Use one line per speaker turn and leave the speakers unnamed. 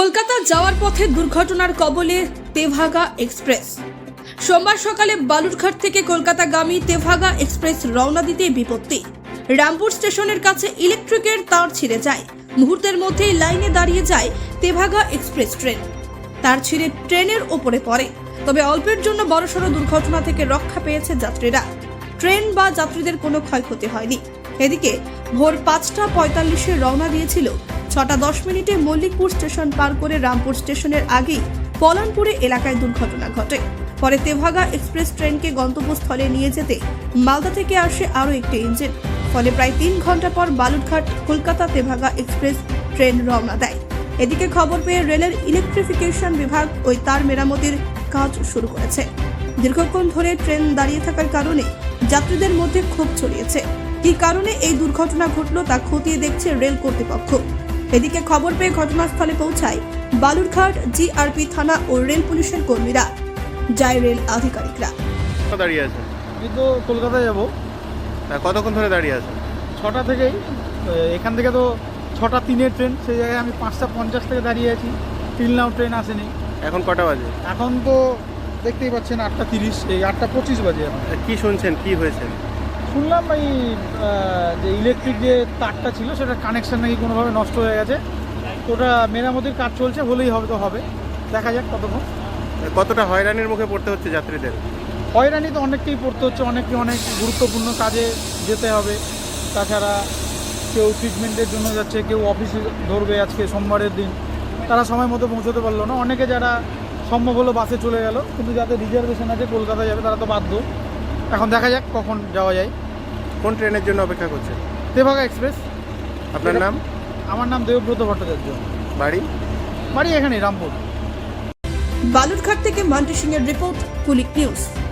কলকাতা যাওয়ার পথে দুর্ঘটনার কবলে তেভাগা এক্সপ্রেস। সোমবার সকালে বালুরঘাট থেকে কলকাতাগামী তেভাগা এক্সপ্রেস রওনা দিতে বিপত্তি। রামপুর স্টেশনের কাছে ইলেকট্রিকের তার ছিঁড়ে যায়। মুহূর্তের মধ্যেই লাইনে দাঁড়িয়ে যায় তেভাগা এক্সপ্রেস ট্রেন। তার ছিঁড়ে ট্রেনের ওপরে পড়ে। তবে অল্পের জন্য বড়সড় দুর্ঘটনা থেকে রক্ষা পেয়েছে যাত্রীরা। ট্রেন বা যাত্রীদের কোনো ক্ষয়ক্ষতি হয়নি। এদিকে ভোর ৫টা ৪৫-এ রওনা দিয়েছিল। ৬টা ১০ মল্লিকপুর স্টেশন পার করে রামপুর স্টেশনের আগেই পলানপুরে এলাকায় দুর্ঘটনা ঘটে। পরে তেভাগা এক্সপ্রেস ট্রেনকে গন্তব্যস্থলে নিয়ে যেতে মালদা থেকে আসে আরও একটি ইঞ্জিন। ফলে প্রায় ৩ ঘন্টা পর বালুরঘাট কলকাতা তেভাগা এক্সপ্রেস ট্রেন রওনা দেয়। এদিকে খবর পেয়ে রেলের ইলেকট্রিফিকেশন বিভাগ ওই তার মেরামতির কাজ শুরু করেছে। দীর্ঘক্ষণ ধরে ট্রেন দাঁড়িয়ে থাকার কারণে যাত্রীদের মধ্যে ক্ষোভ ছড়িয়েছে। কী কারণে এই দুর্ঘটনা ঘটল তা খতিয়ে দেখছে রেল কর্তৃপক্ষ। এদিকে খবর পেয়ে ঘটনাস্থলে পৌঁছায় বালুরঘাট জিআরপি থানা ও রেল পুলিশের কর্মীরা, যায় রেল আধিকারিকরা।
দাঁড়িয়ে আছে?
আমি তো কলকাতায় যাব।
কতক্ষণ ধরে দাঁড়িয়ে আছে?
6টা থেকেই। এখান থেকে তো 6টা 3-এর ট্রেন, সেই জায়গায় আমি 5টা 50 থেকে দাঁড়িয়ে আছি। টিল নাও ট্রেন আসেনি।
এখন কটা বাজে?
এখন তো দেখতেই পাচ্ছেন 8টা 30, এই 8টা 25 বাজে। এখন
কি শুনছেন, কি হয়েছে?
শুনলাম এই যে ইলেকট্রিক যে তারটা ছিল সেটা কানেকশন নাকি কোনোভাবে নষ্ট হয়ে গেছে। ওটা মেরামতির কাজ চলছে, হলেই হবে তো হবে, দেখা যাক কতক্ষণ।
কতটা হয়রানির মুখে পড়তে হচ্ছে যাত্রীদের?
হয়রানি তো অনেককেই পড়তে হচ্ছে, অনেক গুরুত্বপূর্ণ কাজে যেতে হবে। তাছাড়া কেউ ট্রিটমেন্টের জন্য যাচ্ছে, কেউ অফিসে ধরবে আজকে সোমবারের দিন, তারা সময় মতো পৌঁছতে পারলো না। অনেকে যারা সম্ভব হলো বাসে চলে গেল, কিন্তু যাদের রিজার্ভেশন আছে কলকাতা যাবে তারা তো বাধ্য। এখন দেখা যাক কখন যাওয়া যায়।
কোন ট্রেনের জন্য অপেক্ষা করছে?
তেভাগা এক্সপ্রেস।
আপনার নাম?
আমার নাম দেবব্রত ভট্টাচার্য।
বাড়ি
এখানেই রামপুর।
বালুরঘাট থেকে মান্টি সিং এর রিপোর্ট, কুলিক নিউজ।